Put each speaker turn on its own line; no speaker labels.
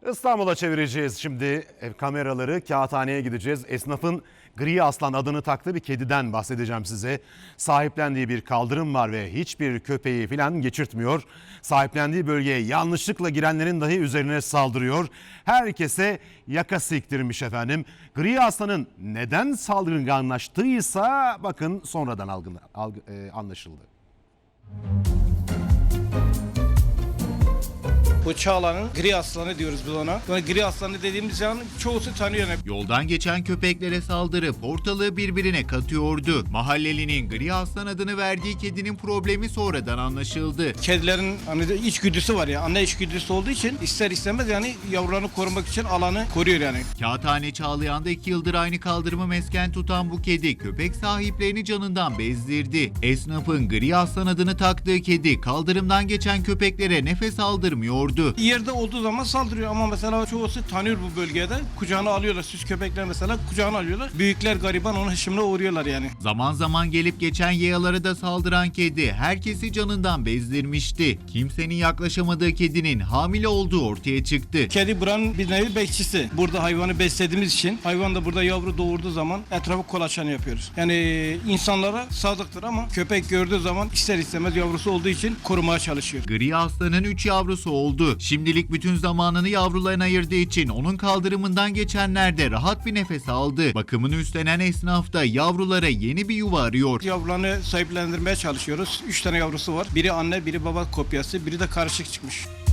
İstanbul'a çevireceğiz şimdi kameraları. Kağıthane'ye gideceğiz. Esnafın Gri Aslan adını taktığı bir kediden bahsedeceğim size. Sahiplendiği bir kaldırım var ve hiçbir köpeği falan geçirtmiyor. Sahiplendiği bölgeye yanlışlıkla girenlerin dahi üzerine saldırıyor. Herkese yaka siktirmiş efendim. Gri Aslan'ın neden saldırganlaştıysa bakın sonradan anlaşıldı.
Bu Çağla'nın Gri Aslanı diyoruz biz ona. Yani Gri Aslanı dediğimiz zaman çoğusu tanıyor.
Yoldan geçen köpeklere saldırıp ortalığı birbirine katıyordu. Mahallelinin Gri Aslan adını verdiği kedinin problemi sonradan anlaşıldı.
Kedilerin hani içgüdüsü var ya, anne içgüdüsü olduğu için ister istemez yani yavrularını korumak için alanı koruyor yani.
Kağıthane Çağlayan'da 2 yıldır aynı kaldırımı mesken tutan bu kedi köpek sahiplerini canından bezdirdi. Esnafın Gri Aslan adını taktığı kedi kaldırımdan geçen köpeklere nefes aldırmıyordu.
Yerde olduğu zaman saldırıyor ama mesela çoğusu tanıyor bu bölgede. Kucağına alıyorlar. Süs köpekler mesela kucağına alıyorlar. Büyükler gariban onun hışımına uğruyorlar yani.
Zaman zaman gelip geçen yayalara da saldıran kedi herkesi canından bezdirmişti. Kimsenin yaklaşamadığı kedinin hamile olduğu ortaya çıktı.
Kedi buranın bir nevi bekçisi. Burada hayvanı beslediğimiz için hayvan da burada yavru doğurduğu zaman etrafı kolaçan yapıyoruz. Yani insanlara sadıktır ama köpek gördüğü zaman ister istemez yavrusu olduğu için korumaya çalışıyor.
Gri Aslan'ın 3 yavrusu oldu. Şimdilik bütün zamanını yavrularına ayırdığı için onun kaldırımından geçenler de rahat bir nefes aldı. Bakımını üstlenen esnaf da yavrulara yeni bir yuva arıyor.
Yavrularını sahiplendirmeye çalışıyoruz. 3 tane yavrusu var. Biri anne, biri baba kopyası, biri de karışık çıkmış.